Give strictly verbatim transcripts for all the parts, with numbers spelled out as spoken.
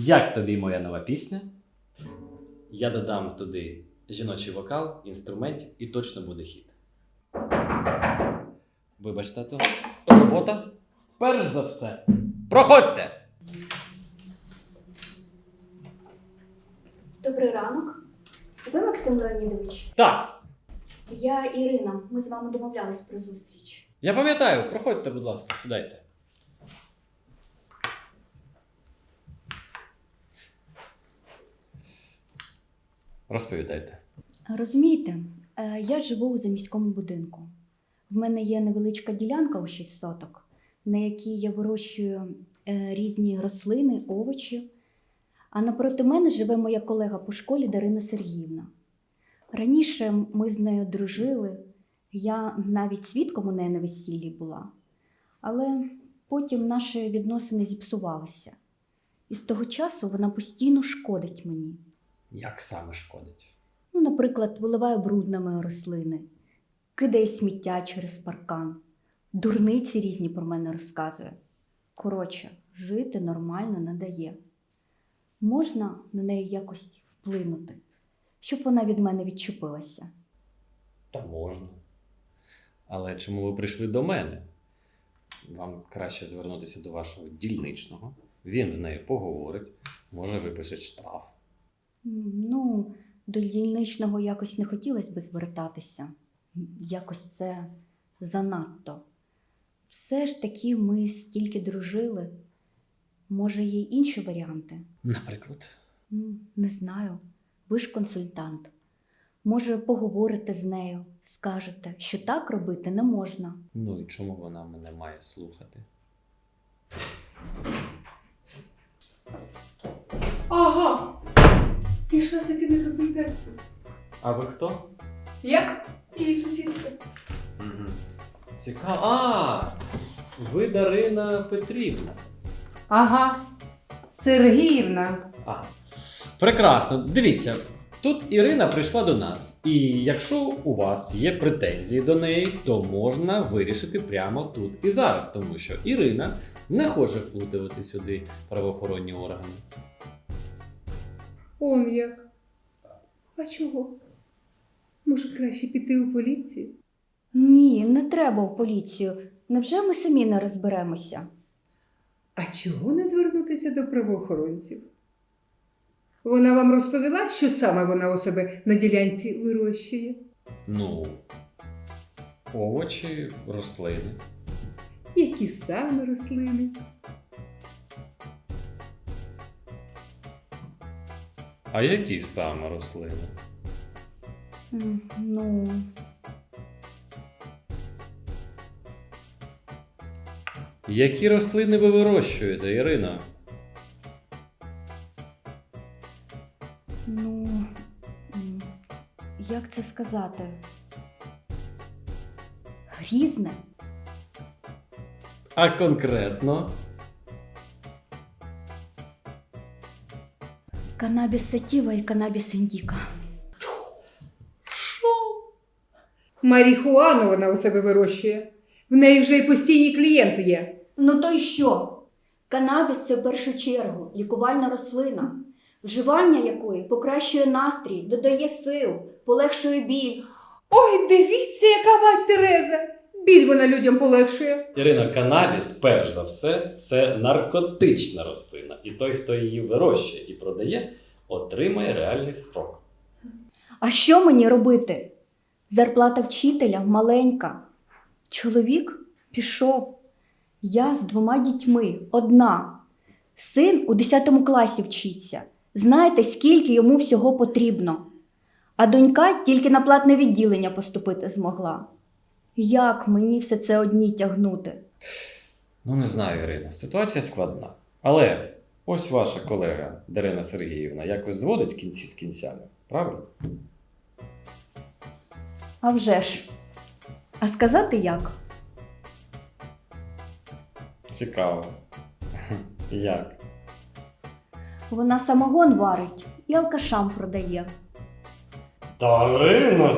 Як тобі моя нова пісня? Я додам туди жіночий вокал, інструментів і точно буде хіт. Вибач, тату. Робота? Перш за все. Проходьте! Добрий ранок. Ви Максим Леонідович? Так, Я Ірина. Ми з вами домовлялись про зустріч. я пам'ятаю. Проходьте, будь ласка, сідайте. Розповідайте. Розумієте, е, я живу у заміському будинку. В мене є невеличка ділянка у шість соток, на якій я вирощую е, різні рослини, овочі. А напроти мене живе моя колега по школі Дарина Сергіївна. Раніше ми з нею дружили, я навіть свідком у неї на весіллі була. Але потім наші відносини зіпсувалися. І з того часу вона постійно шкодить мені. Як саме шкодить? Ну, наприклад, виливає бруд на мої рослини, кидає сміття через паркан, дурниці різні про мене розказує. Коротше, жити нормально не дає. Можна на неї якось вплинути, щоб вона від мене відчепилася? Та можна. Але чому ви прийшли до мене? Вам краще звернутися до вашого дільничного. Він з нею поговорить, може випише штраф. М, Ну, до дільничного якось не хотілося би звертатися. Якось це занадто. Все ж таки ми стільки дружили. Може, є й інші варіанти? Наприклад? М, Не знаю. Ви ж консультант. Може, поговорите з нею, скажете, що так робити не можна. Ну і чому вона мене має слухати? Ага. Пішла таки на консультацію. А ви хто? Я і сусідка. Угу. Цікаво. А! Ви Дарина Петрівна. Ага. Сергіївна. А. Прекрасно. Дивіться, тут Ірина прийшла до нас. І якщо у вас є претензії до неї, то можна вирішити прямо тут і зараз, тому що Ірина не хоче вплутувати сюди правоохоронні органи. Он як. А чого? Може, краще піти у поліцію? Ні, не треба у поліцію. Невже ми самі не розберемося? А чого не звернутися до правоохоронців? Вона вам розповіла, що саме вона у себе на ділянці вирощує? Ну, овочі, рослини. Які саме рослини? А які саме рослини? М, Ну, Які рослини ви вирощуєте, Ірина? ну, м, як це сказати? Різне. А конкретно? Канабіс сатіва і канабіс індіка. Марихуану вона у себе вирощує. В неї вже й постійні клієнти є. Ну то й що? Канабіс – це в першу чергу лікувальна рослина, вживання якої покращує настрій, додає сил, полегшує біль. Ой, дивіться, яка мать Тереза! Біль вона людям полегшує. Ірина, канабіс, перш за все, це наркотична рослина. І той, хто її вирощує і продає, отримає реальний строк. А що мені робити? Зарплата вчителя маленька. Чоловік пішов. Я з двома дітьми, одна. Син у десятому класі вчиться. Знаєте, скільки йому всього потрібно. А донька тільки на платне відділення поступити змогла. Як мені все це одній тягнути? Ну, не знаю, Ірина, ситуація складна. Але ось ваша колега Дарина Сергіївна якось зводить кінці з кінцями, правильно? А вже ж. А сказати як? Цікаво. Як? Вона самогон варить і алкашам продає. Дарина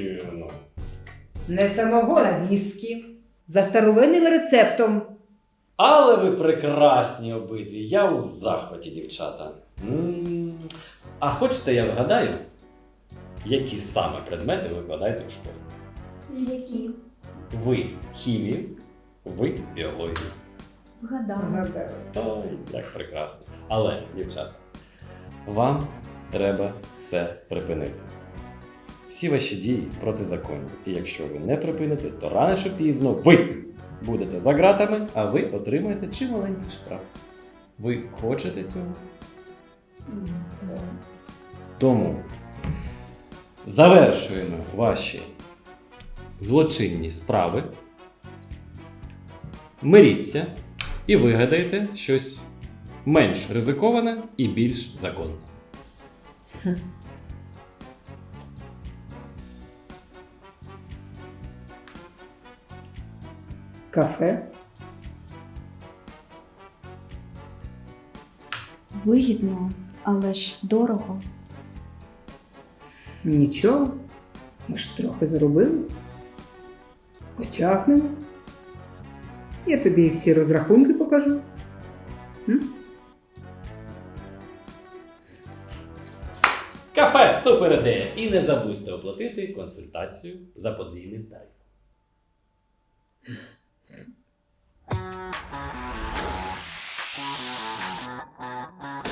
Сергіївна. Не самогон, а віскі. За старовинним рецептом. Але ви прекрасні обидві. Я у захваті, дівчата. М, А хочете, я вгадаю, які саме предмети ви викладаєте в школі? Які? Ви хімію, ви біологію. Вгадала. Гадаю. Ой, як прекрасно. Але, дівчата, вам треба це припинити. Всі ваші дії протизаконні. І якщо ви не припините, то рано чи пізно ви будете за ґратами, а ви отримаєте чималенький штраф. Ви хочете цього? Тому завершуємо ваші злочинні справи. Миріться і вигадайте щось менш ризиковане і більш законне. Кафе. Вигідно, але ж дорого. Нічого. Ми ж трохи заробили. Потягнемо. Я тобі всі розрахунки покажу. М? Кафе супер ідея! І не забудьте оплатити консультацію за подвійним тарифом.